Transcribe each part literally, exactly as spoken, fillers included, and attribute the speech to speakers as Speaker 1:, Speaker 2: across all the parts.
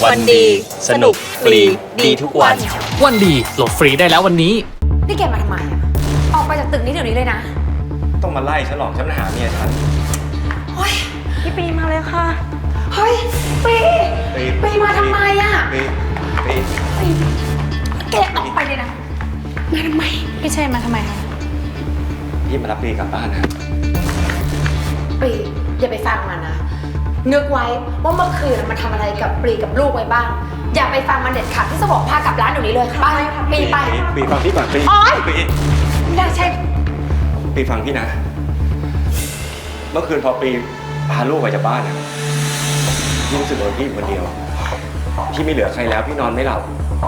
Speaker 1: วันดีสนุกฟรีดีทุกวัน
Speaker 2: วันดีโหลดฟรีได้แล้ววันนี้
Speaker 3: นี่แกมาทำไมอะออกไปจากตึกนี้เดี๋ยวนี้เลยนะ
Speaker 1: ต้องมาไล่ฉันหรอกฉันมาหาเมียฉัน
Speaker 3: เฮ้ยพี่ปีมาเลยค่ะเฮ้ยปีปีมาทำไมอะ
Speaker 1: ปีปี
Speaker 3: ปีแกออกไปเลยนะมาทำไมพี่เชนมาทำไมคะ
Speaker 1: พี่มารับปีกลับบ้านนะ
Speaker 3: ปีอย่าไปฟังมันนะนึกไว้ว่าเมื่อคืนมันทำอะไรกับปรีกับลูกไว้บ้างอย่าไปฟังมันเด็ดขาดที่จะบอกพากลับร้านเดี๋ยวนี้เลยไปปีไป
Speaker 1: ปีฟังพี่ก่อนปีปี
Speaker 3: ไม่ได้ใช่
Speaker 1: ปีฟังพี่นะเมื่อคืนพอปีพาลูกไปจากบ้านนะพี่รู้สึกว่าพี่อยู่คนเดียวพี่ไม่เหลือใครแล้วพี่นอนไม่หลับ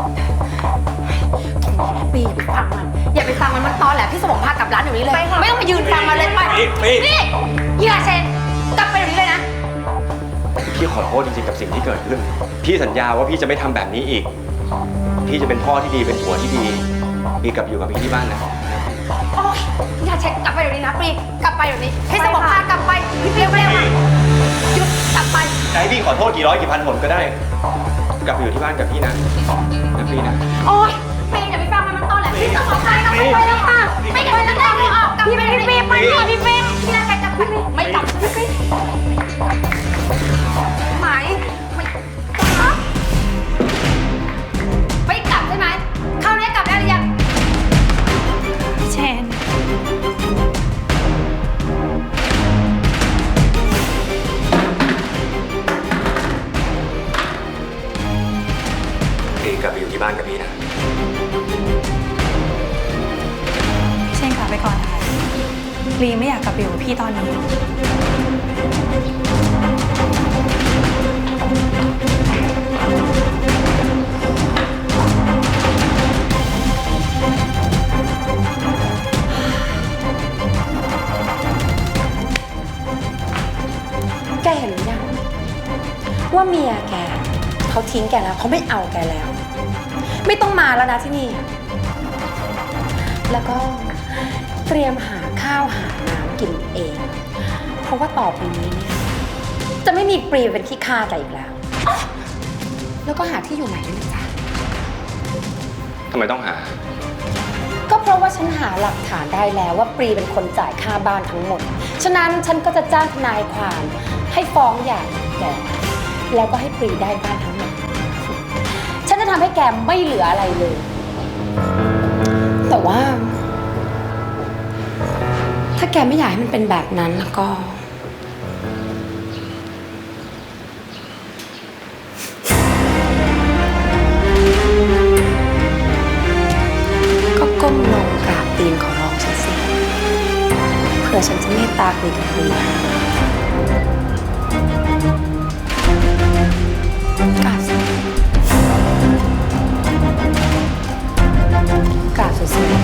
Speaker 3: ปีอย่าไปฟังมันอย่าไปฟังมันมันตอนแหละพี่สมองพากลับร้านเดี๋ยวนี้เลยไม่ต้องมายืนฟังมันเลยไปนี่ยี่ราเชนกลับไปเดี๋ยวนี้เลยนะ
Speaker 1: พี่ขอโทษจริงๆกับสิ่งที่เกิดขึ้นพี่สัญญาว่าพี่จะไม่ทำแบบนี้อีกพี่จะเป็นพ่อที่ดีเป็นผัวที่ดีปีกลับอยู่กับพี่ที่บ้านนะ
Speaker 3: โอ๊ยอย่าเช็คกลับไปเดี๋ยวนี้นะปีกลับไปเดี๋ยวนี้ให้สมองพากลับไปพี่เร็วเร็วหยุดกลับไป
Speaker 1: จะให้พี่ขอโทษกี่ร้อยกี่พันหนก็ได้กลับไปอยู่ที่บ้านกับพี่นะนะปีนะ
Speaker 3: โอ๊ยปีอย่าไปฟังมันมันตอนแหละพี่สมองพากลับไปแล้วค่ะไม่กลับไปแล้วแต่ไม่ออกกลับไปพี่ปีไปพี่พี่ปีพี่ราเชนกลับไปไม่กลับพี่ปีหมายไม่กลับไม่กลับใช่ไหมเข้าเนี้ยกลับได้หรือยังพี่เชน
Speaker 1: ปีกลับไปอยู่ที่บ้านกับพี่นะ
Speaker 4: พี่เชนกลับไปก่อนนะคะลีไม่อยากกลับไปอยู่กับพี่ตอนนี้
Speaker 3: แกเห็นหรือยังว่าเมียแกเขาทิ้งแกแล้วเขาไม่เอาแกแล้วไม่ต้องมาแล้วนะที่นี่แล้วก็เตรียมหาข้าวหาน้ำกินเองเพราะว่าต่อไปนี้เนี่ยจะไม่มีปรีเป็นขี้ข้าแกอีกแล้วแล้วก็หาที่อยู่ใหม่ด้วยนะจ๊ะ
Speaker 1: ทำไมต้องหา
Speaker 3: ก็เพราะว่าฉันหาหลักฐานได้แล้วว่าปรีเป็นคนจ่ายค่าบ้านทั้งหมดฉะนั้นฉันก็จะจ้างทนายความให้ฟ้องหย่าแกแล้วก็ให้ปรีได้บ้านทั้งหมดฉันจะทำให้แกไม่เหลืออะไรเลยแต่ว่าถ้าแกไม่อยากให้มันเป็นแบบนั้นแล้วก็ก็ก้มลงกราบตีนขอร้องฉันสิเผื่อฉันจะเมตตาคุยกับปรีกราบสิกราบสุดๆเลย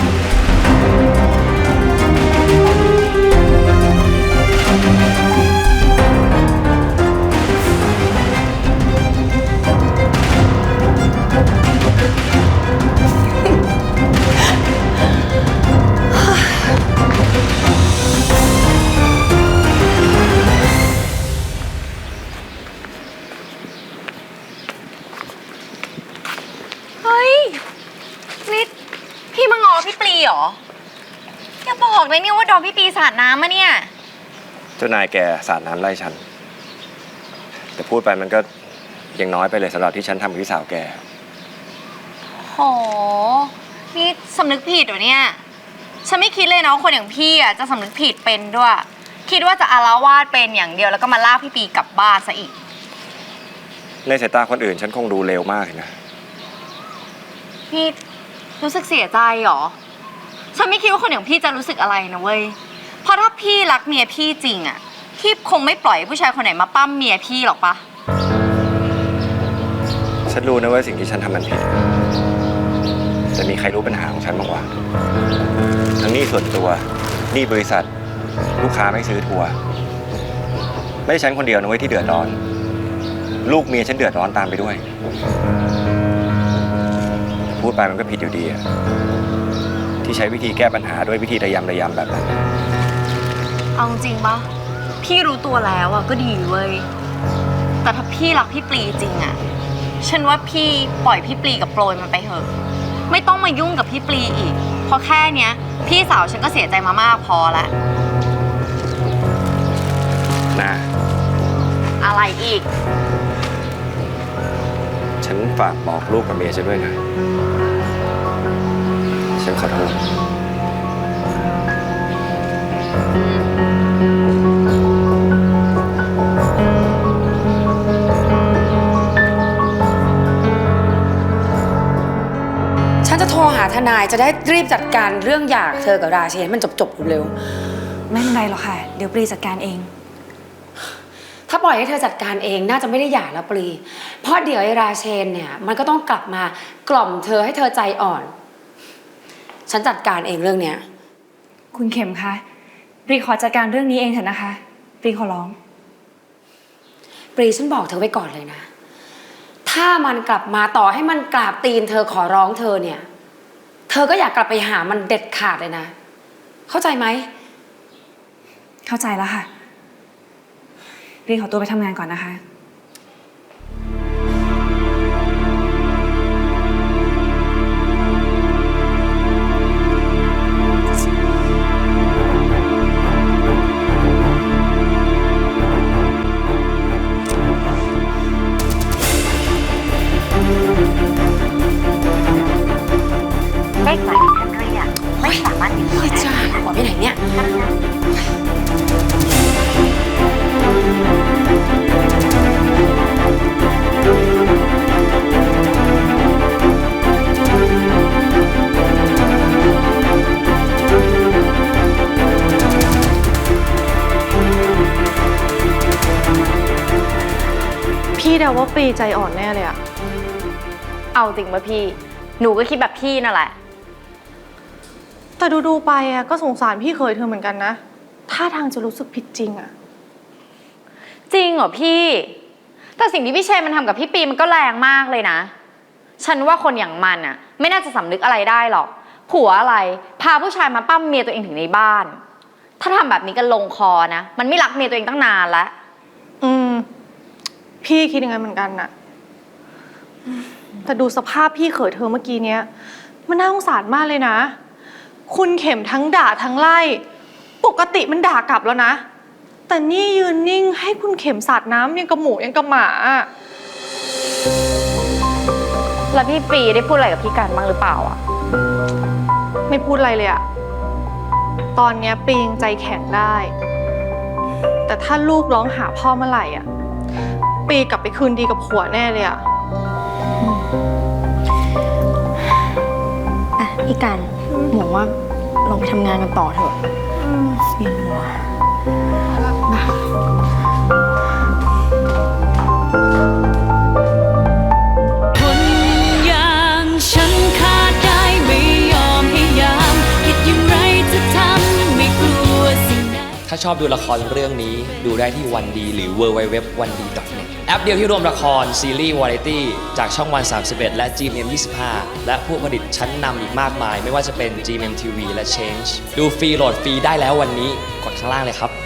Speaker 4: เฮ้ยนี่พี่มาง้อพี่ปลีเหรออย่าบอกเลยเนี่ยว่าโดนพี่ปลีสาดน้ำมาเนี่ย
Speaker 1: เจ้านายแกสาดน้ำไล่ฉันแต่พูดไปมันก็ยังน้อยไปเลยสำหรับที่ฉันทำกับพี่สาวแก
Speaker 4: โหนี่สำนึกผิดเหรอเนี่ยฉันไม่คิดเลยนะว่าคนอย่างพี่อ่ะจะสำนึกผิดเป็นด้วยคิดว่าจะอาละวาดเป็นอย่างเดียวแล้วก็มาลากพี่ปลีกลับบ้านซะอีก
Speaker 1: ในสายตาคนอื่นฉันคงดูเลวมากนะ
Speaker 4: พี่รู้สึกเสียใจเหรอฉันไม่คิดว่าคนอย่างพี่จะรู้สึกอะไรนะเว้ยเพราะถ้าพี่รักเมียพี่จริงอ่ะพี่คงไม่ปล่อยผู้ชายคนไหนมาปั้มเมียพี่หรอกปะ
Speaker 1: ฉันรู้นะว่าสิ่งที่ฉันทำมันผิดแต่มีใครรู้ปัญหาของฉันบ้างวะทั้งหนี้ส่วนตัวหนี้บริษัทลูกค้าไม่ซื้อทัวร์ไม่ใช่ฉันคนเดียวนะเว้ยที่เดือดร้อนลูกเมียฉันเดือดร้อนตามไปด้วยพูดไปมันก็ผิดอยู่ดีอะที่ใช้วิธีแก้ปัญหาด้วยวิธีระยำระยำแบบนั้น
Speaker 4: เอาจริงปะพี่รู้ตัวแล้วอะก็ดีเว้ยแต่ถ้าพี่รักพี่ปลีจริงอะฉันว่าพี่ปล่อยพี่ปลีกับโปรยมันไปเถอะไม่ต้องมายุ่งกับพี่ปลีอีกเพราะแค่เนี้ยพี่สาวฉันก็เสียใจมามากพอแล้ว
Speaker 1: นะ
Speaker 4: อะไรอีก
Speaker 1: ฉันฝากบอกลูกกับเมียฉันด้วยนะ ฉันขอโทษ
Speaker 3: ฉันจะโทรหาทนายจะได้รีบจัดการเรื่องหย่าเธอกับราเชนให้มันจบๆเร็ว
Speaker 5: ไม่เป็นไรหรอกค่ะ เดี๋ยวปรีจัดการเอง
Speaker 3: ๆถ้าปล่อยให้เธอจัดการเองน่าจะไม่ได้หย่าแล้วปรีเพราะเดี๋ยวไอ้ราเชนเนี่ยมันก็ต้องกลับมากล่อมเธอให้เธอใจอ่อน ฉันจัดการเองเรื่องเนี้ย
Speaker 5: คุณเข็มคะปรีขอจัดการเรื่องนี้เองเถอะนะคะปรีขอร้อง
Speaker 3: ปรีฉันบอกเธอไว้ก่อนเลยนะ ถ้ามันกลับมาต่อให้มันกราบตีนเธอขอร้องเธอเนี่ย เธอก็อยากกลับไปหามันเด็ดขาดเลยนะ เข้าใจไหม
Speaker 5: เข้าใจแล้วค่ะปรีขอตัวไปทำงานก่อนนะคะ
Speaker 4: เลขหมายที่ท่านเรียกไม่สามารถติดต่อ
Speaker 3: เฮ้ย
Speaker 4: ได้
Speaker 3: จ้าหัวไปไหนเนี่ย
Speaker 6: พี่เดาว่าปรีใจอ่อนแน่เลยอะ
Speaker 4: เอาจริงป่ะพี่ หนูก็คิดแบบพี่นั่นแหละ
Speaker 6: แต่ดูๆไปอะก็สงสารพี่เคยเธอเหมือนกันนะท่าทางจะรู้สึกผิดจริงอะ
Speaker 4: จริงเหรอพี่ แต่สิ่งที่พี่เชนมันทำกับพี่ปีมันก็แรงมากเลยนะ ฉันว่าคนอย่างมันอะไม่น่าจะสำนึกอะไรได้หรอก ผัวอะไร พาผู้ชายมาปั้มเมียตัวเองถึงในบ้าน ถ้าทำแบบนี้กันลงคอนะ มันไม่รักเมียตัวเองตั้งนานแล้ว
Speaker 6: อืมพี่คิดยังไงเหมือนกันน่ะแต่ดูสภาพพี่เขยเธอเมื่อกี้เนี้ยมันน่าสงสารมากเลยนะ คุณเข็มทั้งด่าทั้งไล่ปกติมันด่ากลับแล้วนะแต่นี่ยืนนิ่งให้คุณเข็มสาดน้ำยังกับหมูยังกับหมาอะ
Speaker 4: แล้วพี่ปีได้พูดอะไรกับพี่กันบ้างหรือเปล่าอะ
Speaker 6: ไม่พูดอะไรเลยอะตอนเนี้ยปียังใจแข็งได้ แต่ถ้าลูกร้องหาพ่อเมื่อไหร่อะปีกลับไปคืนดีกับผัวแน่เลยอะ
Speaker 4: อ่ะพี่กันหนูว่าลองไปทำงานกันต่อเถอะเวียนหัว
Speaker 7: คนอย่างฉันขาดได้ไม่ยอมให้ยามคิดอย่างไรจะทำไม่กลัวสิ่งใด
Speaker 2: ถ้าชอบดูละครเรื่องนี้ดูได้ที่วันดีหรือ ดับเบิลยู ดับเบิลยู ดับเบิลยู ดอท วันดี ดอท เน็ต แอปเดียวที่รวมละคร ซีรีส์วาไรตี้จากช่องวัน สามสิบเอ็ด และ จี เอ็ม ยี่สิบห้า และผู้ผลิตชั้นนำอีกมากมาย ไม่ว่าจะเป็น จี เอ็ม ที วี และ Change ดูฟรีโหลดฟรีได้แล้ววันนี้กดข้างล่างเลยครับ